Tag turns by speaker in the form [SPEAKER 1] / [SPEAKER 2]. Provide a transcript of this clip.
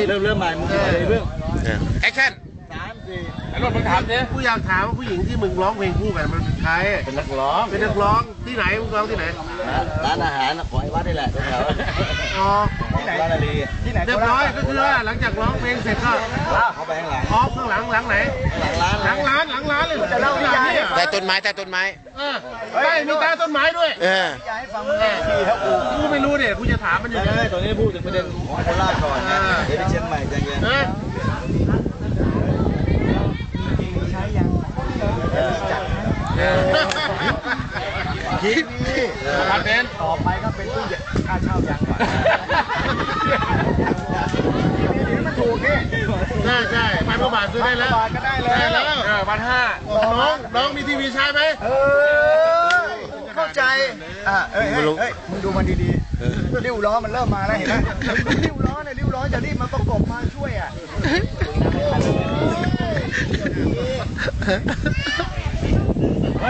[SPEAKER 1] เริ่มใหม่มึงเลยเรื่อง
[SPEAKER 2] แอคชั่นไอ้รถมึงถามดิกูอยากถามว่าผู้หญิงที่มึงร้องเพลงคู่กันมันเป็นใคร
[SPEAKER 1] เป็นนักร้อง
[SPEAKER 2] ที่ไหนมึงร้องที่ไหน
[SPEAKER 1] ร้านอาหารของไอ้วัดนี่แหละแถว
[SPEAKER 2] อ๋อที่ไหนร้านอะไรที่ไหนเรียบร้อยก็คือว่าหลังจากร้องเพลงเสร็จก็
[SPEAKER 1] เขาไปข้างหลัง
[SPEAKER 2] ข้างหลังไหนหลังร้านเลยจะเล่าที่ไหนแต่ต้นไม้ใช่มีใต้ต้นไม้ด้วย
[SPEAKER 1] ให้ฟังที่เขา
[SPEAKER 2] กูไม่รู้เนี่ยกูจะถามมันอยู่เลย
[SPEAKER 1] ตอนนี้พูดถึงประเด็นของโคราชก่อนนะเดี๋ยวไปเชียงใหม่ใจเย็น
[SPEAKER 3] ใช้ยังจัด
[SPEAKER 1] คิดนี่
[SPEAKER 2] พันเบน
[SPEAKER 3] ต่อไปก็เป็นตู้ค่าเช่ายังก่อนนี่มันถูกนี่
[SPEAKER 2] ใช่พันกว่าบาทซื้อได้แล้ว
[SPEAKER 3] ก็ได้แล้ว
[SPEAKER 2] 1,500น้องมีทีวีใช้ไหม
[SPEAKER 3] เข้าใจเฮ้ยมึงดูมันดีๆริ้วล้อมันเริ่มมาแล้วเห็นไหมริ้วล้อจะรีบมาประกบมาช่วย